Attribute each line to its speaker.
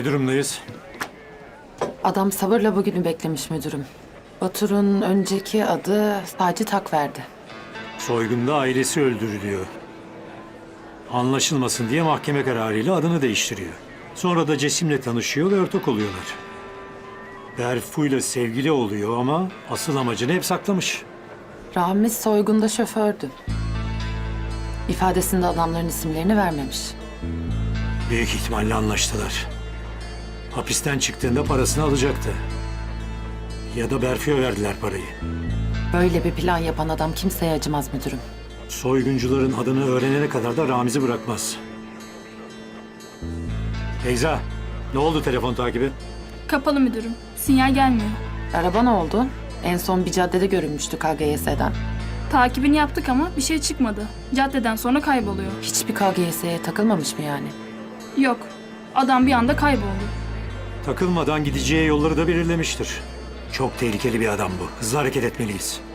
Speaker 1: Ne durumdayız?
Speaker 2: Adam sabırla bugünü beklemiş müdürüm. Batur'un önceki adı Sacit Akverdi.
Speaker 1: Soygunda ailesi öldürülüyor. Anlaşılmasın diye mahkeme kararıyla adını değiştiriyor. Sonra da Cesim'le tanışıyor ve ortak oluyorlar. Berfu'yla sevgili oluyor ama asıl amacını hep saklamış.
Speaker 2: Ramiz soygunda şofördü. İfadesinde adamların isimlerini vermemiş.
Speaker 1: Büyük ihtimalle anlaştılar. Hapisten çıktığında parasını alacaktı. Ya da Berfu'ya verdiler parayı.
Speaker 2: Böyle bir plan yapan adam kimseye acımaz müdürüm.
Speaker 1: Soyguncuların adını öğrenene kadar da Ramiz'i bırakmaz. Feyza, ne oldu telefon takibi?
Speaker 3: Kapalı müdürüm. Sinyal gelmiyor.
Speaker 2: Araba ne oldu? En son bir caddede görünmüştü KGS'den.
Speaker 3: Takibini yaptık ama bir şey çıkmadı. Caddeden sonra kayboluyor.
Speaker 2: Hiçbir KGS'ye takılmamış mı yani?
Speaker 3: Yok. Adam bir anda kayboldu.
Speaker 1: Takılmadan gideceği yolları da belirlemiştir. Çok tehlikeli bir adam bu. Hızlı hareket etmeliyiz.